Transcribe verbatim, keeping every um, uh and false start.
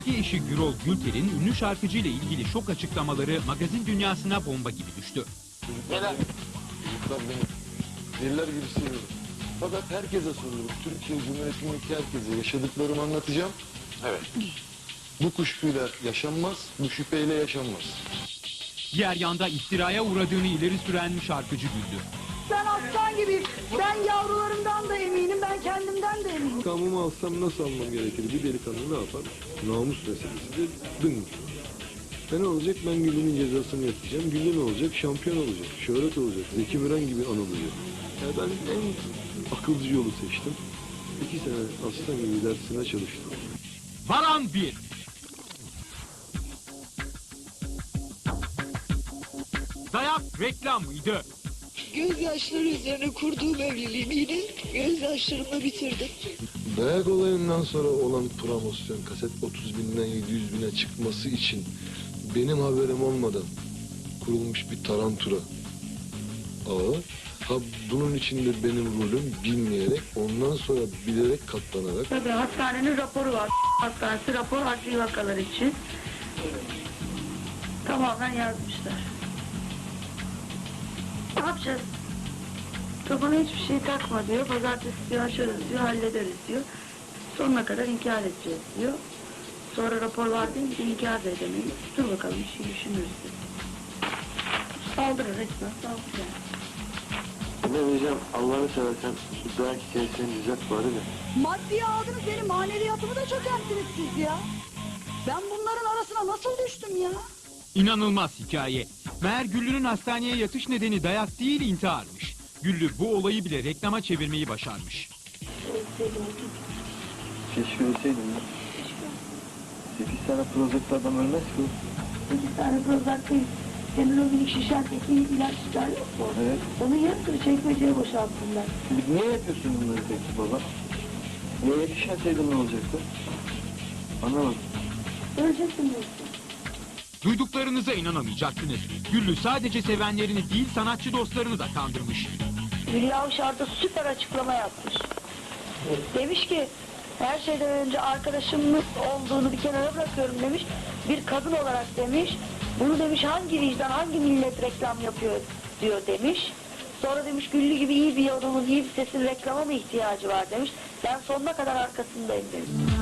Eşi Gürol Gülter'in ünlü şarkıcı ile ilgili şok açıklamaları magazin dünyasına bomba gibi düştü. Neler? Çocuklar beni deliler gibi seviyorum. Fakat herkese soruyorum. Türkiye Cumhuriyeti'ndeki herkese yaşadıklarımı anlatacağım. Evet. Bu kuşkuyla yaşanmaz, bu şüpheyle yaşanmaz. Diğer yanda iftiraya uğradığını ileri süren şarkıcı güldü. Ben aslan gibiyim. Ben yavrularımdan da eminim, ben kendimden de eminim. İntikamımı alsam nasıl almam gerekir? Bir delikanlı ne yapar? Namus meselesidir. Dın. E ne olacak? Ben Güllü'nün cezasını yapacağım. Güllü ne olacak? Şampiyon olacak. Şöhret olacak. Zeki Müren gibi anılacak. Yani ben en akılcı yolu seçtim. İki sene aslan gibi dersine çalıştım. Varan bir. Dayak reklam mıydı? Gözyaşları üzerine kurduğum evliliğimi yine gözyaşlarımla bitirdim. Dayak olayından sonra olan promosyon kaset otuz binden yedi yüz bine çıkması için benim haberim olmadan kurulmuş bir tarantura ağı. Ha bunun içinde benim rolüm bilmeyerek ondan sonra bilerek katlanarak. Tabii hastanenin raporu var. Hastanesi rapor adli vakalar için. Tamamen yazmışlar. Ne yapacağız? Kafana hiçbir şey takma diyor. Pazartesi diyor açarız diyor, hallederiz diyor. Sonuna kadar inkar edeceğiz diyor. Sonra rapor var deyince de inkar da edemeyiz. Dur bakalım bir şey düşünürüz dedi. Saldırır resmen saldırır. Ne diyeceğim, Allah'ını seversen şu dayak hikayesini düzelt bari de. Maddiye aldınız, benim maneviyatımı da çökerttiniz siz ya. Ben bunların arasına nasıl düştüm ya? İnanılmaz hikaye. Meğer Güllü'nün hastaneye yatış nedeni dayak değil intiharmış. Güllü bu olayı bile reklama çevirmeyi başarmış. Keşke ölseydim ya. Sekiz tane Prozac'ta adam ölmez ki. Bir tane Prozac değil. Senin o minik şişendeki ilaçlar yok mu? Evet. Onun yarısını çekmeceye boşalttımlar. Niye yapıyorsun bunları peki baba? Niye yetişmeseydin ne olacaktı? Anlamadım. Öleceksin diyorsun. Duyduklarınıza inanamayacaksınız. Güllü sadece sevenlerini değil sanatçı dostlarını da kandırmış. Hülya Avşar da süper açıklama yapmış. Demiş ki her şeyden önce arkadaşımın olduğunu bir kenara bırakıyorum demiş. Bir kadın olarak demiş. Bunu demiş hangi vicdan, hangi millet reklam yapıyor diyor demiş. Sonra demiş Güllü gibi iyi bir adamın, iyi bir sesin reklama mı ihtiyacı var demiş. Ben sonuna kadar arkasındayım demiş.